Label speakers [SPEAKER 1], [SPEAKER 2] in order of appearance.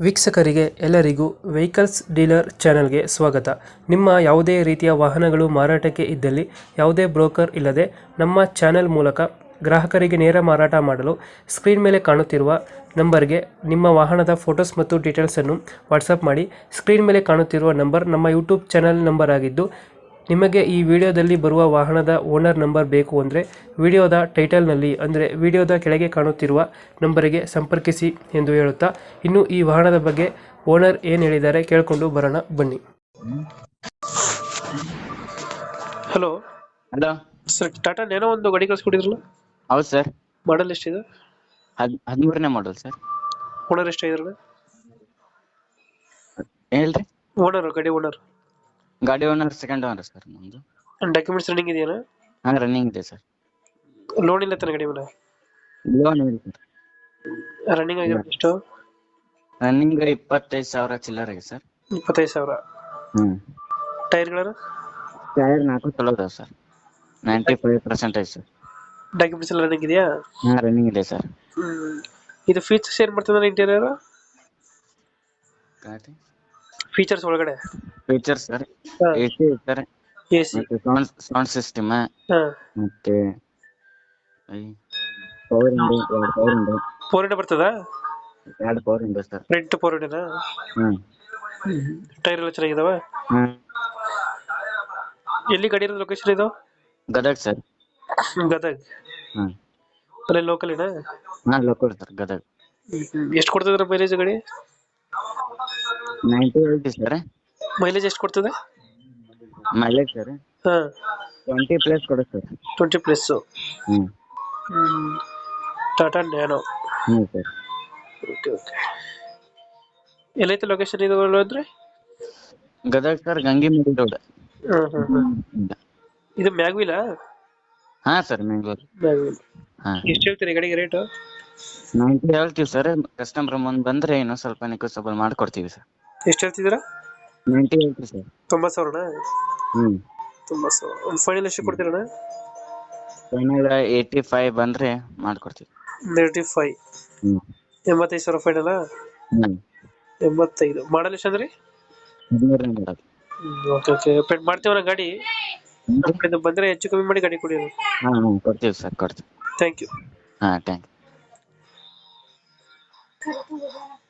[SPEAKER 1] ವೀಕ್ಷಕರಿಗೆ ಎಲ್ಲರಿಗೂ vehicles dealer ಚಾನೆಲ್ಗೆ ಸ್ವಾಗತ. ನಿಮ್ಮ ಯಾವುದೇ ರೀತಿಯ ವಾಹನಗಳು ಮಾರಾಟಕ್ಕೆ ಇದ್ದಲ್ಲಿ ಯಾವುದೇ ಬ್ರೋಕರ್ ಇಲ್ಲದೆ ನಮ್ಮ ಚಾನೆಲ್ ಮೂಲಕ ಗ್ರಾಹಕರಿಗೆ ನೇರ ಮಾರಾಟ ಮಾಡಲು ಸ್ಕ್ರೀನ್ ಮೇಲೆ ಕಾಣುತ್ತಿರುವ ನಂಬರ್ಗೆ ನಿಮ್ಮ ವಾಹನದ ಫೋಟೋಸ್ ಮತ್ತು ಡೀಟೇಲ್ಸನ್ನು ವಾಟ್ಸಪ್ ಮಾಡಿ. ಸ್ಕ್ರೀನ್ ಮೇಲೆ ಕಾಣುತ್ತಿರುವ ನಂಬರ್ ನಮ್ಮ ಯೂಟ್ಯೂಬ್ ಚಾನೆಲ್ ನಂಬರ್ ಆಗಿದ್ದು, ನಿಮಗೆ ಈ ವಿಡಿಯೋದಲ್ಲಿ ಬರುವ ವಾಹನದ ಓನರ್ ನಂಬರ್ ಬೇಕು ಅಂದರೆ ವಿಡಿಯೋದ ಟೈಟಲ್ನಲ್ಲಿ ಅಂದರೆ ವಿಡಿಯೋದ ಕೆಳಗೆ ಕಾಣುತ್ತಿರುವ ನಂಬರಿಗೆ ಸಂಪರ್ಕಿಸಿ ಎಂದು ಹೇಳುತ್ತಾ, ಇನ್ನು ಈ ವಾಹನದ ಬಗ್ಗೆ ಓನರ್ ಏನು ಹೇಳಿದ್ದಾರೆ ಕೇಳಿಕೊಂಡು ಬರೋಣ ಬನ್ನಿ. Hello
[SPEAKER 2] hello
[SPEAKER 1] sir, Tata Nano ಒಂದು ಗಾಡಿ ಕಳಿಸ್ಕೊಟ್ಟಿದ್ರಲ್ಲ,
[SPEAKER 2] ಹೌದು ಸರ್.
[SPEAKER 1] ಮಾಡಲ್ ಎಷ್ಟಿದೆ?
[SPEAKER 2] 13ನೇ ಮಾಡಲ್ ಸರ್.
[SPEAKER 1] ಓನರ್ ಎಷ್ಟಾಗಿದ್ರಲ್ಲ?
[SPEAKER 2] ಹೇಳ್ರಿ.
[SPEAKER 1] ಗಾಡಿ ಓನರ್
[SPEAKER 2] ಗಾಡಿ ಓನರ್ ಸೆಕೆಂಡ್ ಓನರ್ ಸರ್ ನಮ್ದು.
[SPEAKER 1] ಡಾಕ್ಯುಮೆಂಟ್ಸ್ ರನ್ನಿಂಗ್ ಇದೆಯಾ?
[SPEAKER 2] ಹಾ, ರನ್ನಿಂಗ್ ಇದೆ ಸರ್.
[SPEAKER 1] ಲೋನ್ ಇಲ್ಲ ತಾನೆ ಗಾಡಿ ಮೇಲೆ?
[SPEAKER 2] ಲೋನ್ ಇದೆ ಸರ್.
[SPEAKER 1] ರನ್ನಿಂಗ್ ಆಗಿರೋದು ಎಷ್ಟು?
[SPEAKER 2] ರನ್ನಿಂಗ್ 25,000 ಚಿಲ್ಲರ್ ಇದೆ ಸರ್.
[SPEAKER 1] 25,000. ಟೈರ್ಗಳನ್ನು
[SPEAKER 2] ಟೈರ್ 4 ಚಲೋ ಇದಾವೆ ಸರ್. 95% ಸರ್.
[SPEAKER 1] ಡಾಕ್ಯುಮೆಂಟ್ಸ್ ಎಲ್ಲ ರನ್ನಿಂಗ್ ಇದೆಯಾ?
[SPEAKER 2] ಹಾ, ರನ್ನಿಂಗ್ ಇದೆ ಸರ್.
[SPEAKER 1] ಇದು ಫೀಚರ್ಸ್ ಏನ್ ಬರ್ತದೆ ಇಂಟೀರಿಯರ್? ಫೀಚರ್ಸ್ ಒಳಗಡೆ
[SPEAKER 2] features sir, AC sir,
[SPEAKER 1] AC,
[SPEAKER 2] ಮತ್ತೆ ಸೌಂಡ್ ಸಿಸ್ಟಮ್, ಮತ್ತೆ
[SPEAKER 1] ಫೋರ್ ಬರ್ತದ?
[SPEAKER 2] 2 power window sir.
[SPEAKER 1] Front four ವಿಂಡೋನಾ? ಟೈರ್ ಎಲ್ಲ ಚೆನ್ನಾಗಿದಾವ? ಎಲ್ಲಿ ಗಾಡಿ ಇರೋದು? ಲೊಕೇಶನ್ ಇದು
[SPEAKER 2] ಗದಗ್ ಸರ್.
[SPEAKER 1] ಗದಗ್. ಅಲ್ಲೇ ಲೋಕಲ್ ಇನ?
[SPEAKER 2] ಹಾ, ಲೋಕಲ್ ಸರ್, ಗದಗ್.
[SPEAKER 1] ಎಷ್ಟು ಕೊಡ್ತದ್ರ ಮೈಲೇಜ್ ಗಾಡಿ?
[SPEAKER 2] 90 ಸರ್.
[SPEAKER 1] ಮೈಲೇಜ್ ಎಷ್ಟು ಕೊಡ್ತದೆ?
[SPEAKER 2] ಮೈಲೇಜ್ ಸರ್ 20 ಪ್ಲಸ್ ಕೊಡುತ್ತೆ sir.
[SPEAKER 1] 20 plus. Tata Nano.
[SPEAKER 2] Sir.
[SPEAKER 1] Okay. ಎಲ್ಲೈತೆ ಲೊಕೇಶನ್ ಇದು ಅಂದ್ರೆ?
[SPEAKER 2] Gadag sir, Gangimadi road.
[SPEAKER 1] ಇದು ಮ್ಯಾಗ್ವಿಲಾ?
[SPEAKER 2] ಹಾ ಸರ್, ಮ್ಯಾಂಗ್ಳೂರ್.
[SPEAKER 1] ಎಷ್ಟು ಹೇಳ್ತೀರಿ ಗಾಡಿಗೆ ರೇಟ್?
[SPEAKER 2] 90 ಹೇಳ್ತೀವಿ ಸರ್. ಕಸ್ಟಮರ್ ಮುಂದೆ ಬಂದ್ರೆ ಇನ್ನೊಂದ್ ಸ್ವಲ್ಪ ನೆಗೋಸಿಯಬಲ್ ಮಾಡ್ಕೊಡ್ತೀವಿ ಸರ್.
[SPEAKER 1] ಎಷ್ಟು ಹೇಳ್ತಿದ್ದೀರಾ?
[SPEAKER 2] 90 ಹೇಳ್ತೀವಿ ಸರ್.
[SPEAKER 1] 90,000ನಾ? 90,000. ಒಂದು ಫೈನಲ್ ಎಷ್ಟು ಕೊಡ್ತೀರಣ್ಣ?
[SPEAKER 2] ಫೈನಲ್ 85 ಬಂದ್ರೆ ಮಾಡ್ಕೊಡ್ತೀವಿ.
[SPEAKER 1] 85. 85,000 ಫೈನಲ್? 85. ಮಾಡಲ್ ಎಷ್ಟು ಅಂದ್ರೆ?
[SPEAKER 2] 13ನೇ ಮಾಡಲ್.
[SPEAKER 1] ಓಕೆ. ಪೇಂಟ್ ಮಾಡ್ತೀವಣ್ಣ ಗಾಡಿ. ಬಂದ್ರೆ ಹೆಚ್ಚು ಕಮ್ಮಿ ಮಾಡಿ ಗಾಡಿ ಕೊಡಿ.
[SPEAKER 2] ಹಾ, ಕೊಡ್ತೀವಿ ಸರ್, ಕೊಡ್ತೀವಿ.
[SPEAKER 1] Thank you.
[SPEAKER 2] ಹಾ, ಥ್ಯಾಂಕ್ ಯು.